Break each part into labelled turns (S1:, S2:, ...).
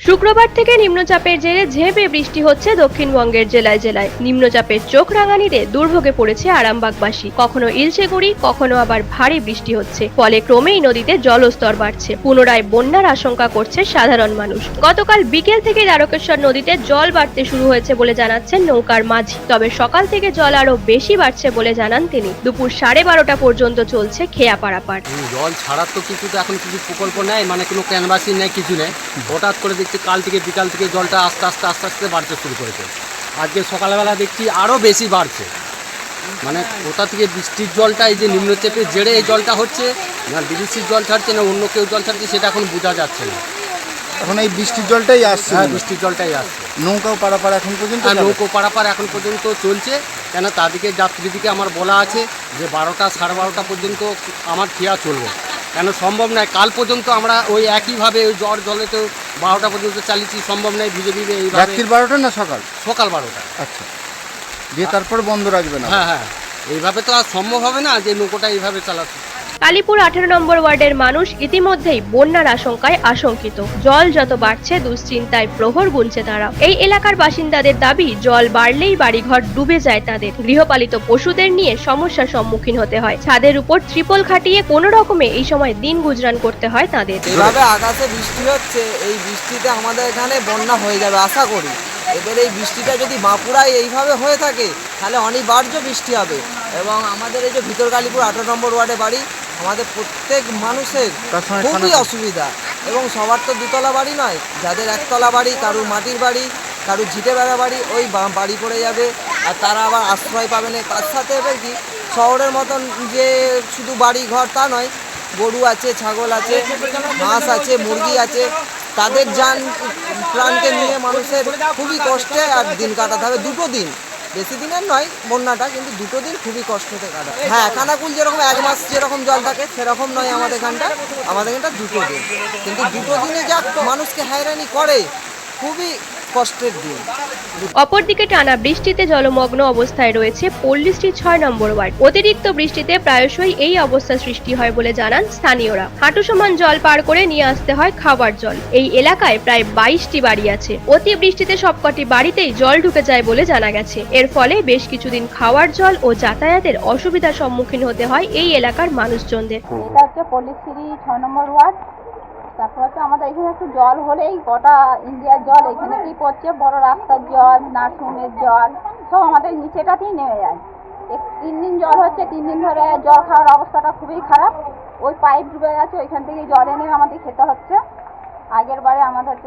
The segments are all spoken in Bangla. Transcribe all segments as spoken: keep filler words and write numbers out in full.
S1: শুক্রবার থেকে নিম্নচাপের জেরে ঝেঁপে বৃষ্টি হচ্ছে দক্ষিণবঙ্গের জেলায় জেলায়। নিম্নচাপের চোখ রাঙানিতে দুর্ভোগে পড়েছে আরামবাগবাসী। কখনো ইলশেগুড়ি, কখনো আবার ভারী বৃষ্টি হচ্ছে, ফলে ক্রমেই নদীতে জলস্তর বাড়ছে। পুনরায় বন্যার আশঙ্কা করছে সাধারণ মানুষ। গতকাল বিকেল থেকে দ্বারকেশ্বর নদীতে জল বাড়তে শুরু হয়েছে বলে জানাচ্ছেন নৌকার মাঝি। তবে সকাল থেকে জল আরো বেশি বাড়ছে বলে জানান তিনি। দুপুর সাড়ে বারোটা পর্যন্ত চলছে খেয়া পারাপার।
S2: জল ছাড়ার তো কিছু তো এখন কিছু প্রকল্প নেই, মানে কোনো ক্যানভাসিং নেই, কিছু নেই। হঠাৎ করে দেখছি কাল থেকে বিকাল থেকে জলটা আস্তে আস্তে আস্তে আস্তে বাড়তে শুরু করেছে। আজকে সকালবেলা দেখছি আরও বেশি বাড়ছে। মানে কোথা থেকে বৃষ্টির জলটা, এই যে নিম্নচাপের জেরে এই জলটা হচ্ছে না, বিদেশির জল ছাড়ছে না অন্য কেউ জল ছাড়ছে, সেটা এখন বোঝা যাচ্ছে না।
S3: এখন এই বৃষ্টির জলটাই আসছে।
S2: হ্যাঁ, বৃষ্টির জলটাই আসছে।
S3: নৌকাও পারাপার এখন পর্যন্ত
S2: হ্যাঁ, নৌকো পারাপার এখন পর্যন্ত চলছে। কেন তাদেরকে যাত্রীদিকে আমার বলা আছে যে বারোটা সাড়ে বারোটা পর্যন্ত আমার খেয়া চলবে, কেন সম্ভব নয় কাল পর্যন্ত আমরা ওই একইভাবে ওই জ্বর জলে তো বারোটা পর্যন্ত চালিয়েছি, সম্ভব নয় ভিজে ভিজে এই
S3: রাত্রির বারোটা না সকাল
S2: সকাল বারোটা।
S3: আচ্ছা, দিয়ে তারপর বন্ধ রাখবে না?
S2: হ্যাঁ হ্যাঁ, এইভাবে তো আর সম্ভব হবে না যে নৌকোটা এইভাবে চালাতে।
S1: কালীপুর আঠেরো নম্বর ওয়ার্ডের মানুষ ইতিমধ্যেই বন্যার আশঙ্কায় আশঙ্কিত। জল যত বাড়ছে দুশ্চিন্তায় প্রহর গুনছে তারা। এই এলাকার বাসিন্দাদের দাবি, জল বাড়লেই বাড়িঘর ডুবে যায় তাদের। গৃহপালিত পশুদের নিয়ে সমস্যার সম্মুখীন হতে হয়। ছাদের উপর ত্রিপল খাটিয়ে কোনো রকমে এই সময় দিন গুজরান করতে হয় তাদের।
S4: এভাবে আকাশে বৃষ্টি হচ্ছে, এই বৃষ্টিতে আমাদের এখানে বন্যা হয়ে যাবে আশা করি। এবার এই বৃষ্টিটা যদি বাঁকুড়ায় এইভাবে হয়ে থাকে তাহলে অনিবার্য বৃষ্টি হবে। এবং আমাদের এই যে ভিতর কালীপুর আঠারো নম্বর ওয়ার্ডে বাড়ি, আমাদের প্রত্যেক মানুষের খুবই অসুবিধা। এবং সবার তো দুতলা বাড়ি নয়, যাদের একতলা বাড়ি, কারুর মাটির বাড়ি, কারুর ঝিটে বেড়া বাড়ি, ওই বাড়ি পড়ে যাবে আর তারা আবার আশ্রয় পাবে না। তার সাথে এবার কি শহরের মতন যে শুধু বাড়ি ঘর তা নয়, গরু আছে, ছাগল আছে, হাঁস আছে, মুরগি আছে, তাদের যান প্রাণকে নিয়ে মানুষের খুবই কষ্টে আর দিন কাটাতে হবে। দুটো দিন, বেশি দিনের নয় বন্যাটা, কিন্তু দুটো দিন খুবই কষ্টতে কাটায়। হ্যাঁ, খানাকুল যেরকম এক মাস যেরকম জল থাকে সেরকম নয় আমাদের এখানটা, আমাদের এখানটা দুটো দিন, কিন্তু দুটো দিনে যা মানুষকে হয়রানি করে, খুবই কষ্টের দিন।
S1: অপরদিকে টানা বৃষ্টিতে জলমগ্ন অবস্থায় রয়েছে পল্লীশ্রী ছয় নম্বর ওয়ার্ড। অতিরিক্ত বৃষ্টিতে প্রায়শই এই অবস্থা সৃষ্টি হয় বলে জানান স্থানীয়রা। হাঁটু সমান জল পার করে নিয়ে আসতে হয় খাবার জল। এই এলাকায় প্রায় বাইশটি বাড়ি আছে। অতি বৃষ্টিতে সবকটি বাড়িতেই জল ঢুকে যায় বলে জানা গেছে। এর ফলে বেশ কিছুদিন খাওয়ার জল ও যাতায়াতের অসুবিধার সম্মুখীন হতে হয় এই এলাকার মানুষজনদের।
S5: এটা হচ্ছে পল্লীশ্রী ছয় নম্বর ওয়ার্ড। তারপর হচ্ছে আমাদের এখানে একটু জল হলেই গোটা ইন্ডিয়ার জল এখানেতেই পড়ছে। বড় রাস্তার জল, নার্সিংহোমের জল সব আমাদের নিচেটাতেই নেমে যায়। তিন দিন জল হচ্ছে, তিন দিন ধরে জল খাওয়ার অবস্থাটা খুবই খারাপ। ওই পাইপ ডুবে গেছে, ওইখান থেকে জল এনে আমাদের খেতে হচ্ছে। আগের বারে আমাদের হচ্ছে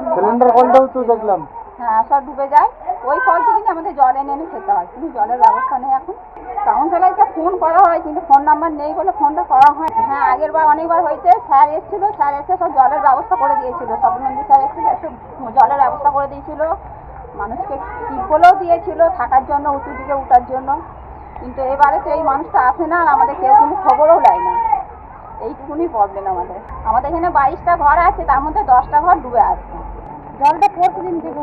S3: দেখলাম
S5: হ্যাঁ সব ডুবে যায়, ওই ফল থেকে আমাদের জল এনে এনে খেতে হয়, কিন্তু জলের ব্যবস্থা নেই এখন। কাউন্সিলরকে ফোন করা হয় কিন্তু ফোন নাম্বার নেই বলে ফোনটা করা হয়। হ্যাঁ, আগের বার অনেকবার হয়েছে, স্যার এসেছিল, স্যার এসে সব জলের ব্যবস্থা করে দিয়েছিল। স্বপ্নন্দী স্যার এসেছিল, এসে জলের ব্যবস্থা করে দিয়েছিল, মানুষকে টিপলেও দিয়েছিল থাকার জন্য, উঁচু দিকে উঠার জন্য। কিন্তু এবারে তো এই মানুষটা আসে না আর আমাদের কেউ কোনো খবরও দেয় না। এইটুকুনি প্রবলেম আমাদের। আমাদের এখানে বাইশটা ঘর আছে, তার মধ্যে দশটা ঘর ডুবে আছে। জলটা পড়ছে দিন থেকে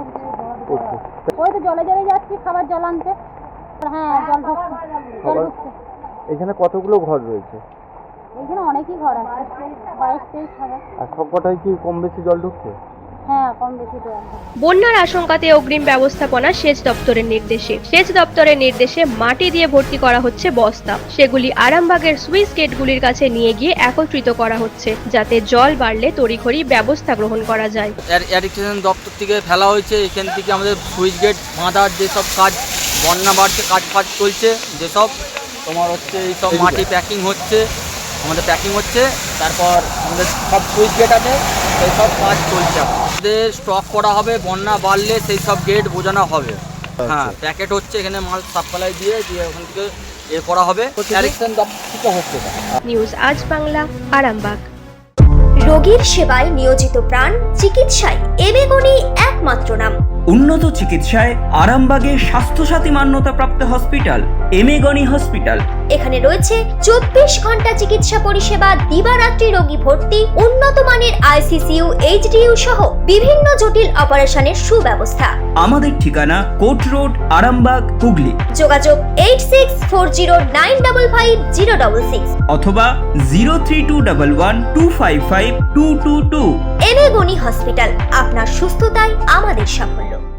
S5: ওই তো জলে জলে যাচ্ছি খাবার জল আনতে। হ্যাঁ, জল ঢুকছে, জল ঢুকছে।
S3: এখানে কতগুলো ঘর রয়েছে?
S5: এখানে অনেকই ঘর আছে, বাইশ তেইশ হবে।
S3: আর সবকটাই কি কম বেশি জল ঢুকছে?
S5: হ্যাঁ, কম বেশি জল।
S1: বন্যার আশঙ্কাতে অগ্রিম ব্যবস্থাপনা সেচ দপ্তরের নির্দেশে সেচ দপ্তরের নির্দেশে মাটি দিয়ে ভর্তি করা হচ্ছে বস্তা। সেগুলি আরামবাগের সুইচ গেটগুলির কাছে নিয়ে গিয়ে একত্রিত করা হচ্ছে, যাতে জল বাড়লে তড়িঘড়ি ব্যবস্থা গ্রহণ করা যায়।
S6: ইরিগেশন দপ্তর থেকে ফেলা হয়েছে, এখান থেকে আমাদের সুইচ গেট বাঁধার যেসব কাজ, বন্যা বাড়ছে কাজ ফাজ চলছে, যেসব তোমার হচ্ছে এইসব মাটি প্যাকিং হচ্ছে, আমাদের প্যাকিং হচ্ছে। তারপর আমাদের সব সুইচ গেট আছে, সেই সব কাজ চলছে। আমাদের স্টক করা হবে, বন্যা বাড়লে সেই সব গেট বোঝানো হবে। হ্যাঁ, প্যাকেট হচ্ছে, এখানে মাল সাপ্লাই দিয়ে দিয়ে ওখান থেকে এ করা হবে। ইরিগেশন দপ্তর থেকে হচ্ছে।
S1: নিউজ আজ বাংলা, আরামবাগ।
S7: রোগীর সেবায় নিয়োজিত প্রাণ, চিকিৎসায় এবেগুনি একমাত্র নাম।
S8: উন্নত চিকিৎসায় আরামবাগে স্বাস্থ্যসাথী মান্যতাপ্রাপ্ত হসপিটাল এমেগনি হসপিটাল।
S7: এখানে রয়েছে চব্বিশ ঘন্টা চিকিৎসা পরিষেবা, দিবারাত্রি রোগী ভর্তি, উন্নত মানের আইসিসিইউ, এইচডিইউ সহ বিভিন্ন জটিল অপারেশনের সুব্যবস্থা।
S8: আমাদের ঠিকানা কোট রোড, আরামবাগ, হুগলি।
S7: যোগাযোগ eight six four zero nine double five zero double six
S8: অথবা zero three two double one two five five two two two.
S7: এবেগুনি হসপিটাল, আপনার সুস্থতাই আমাদের সাফল্য।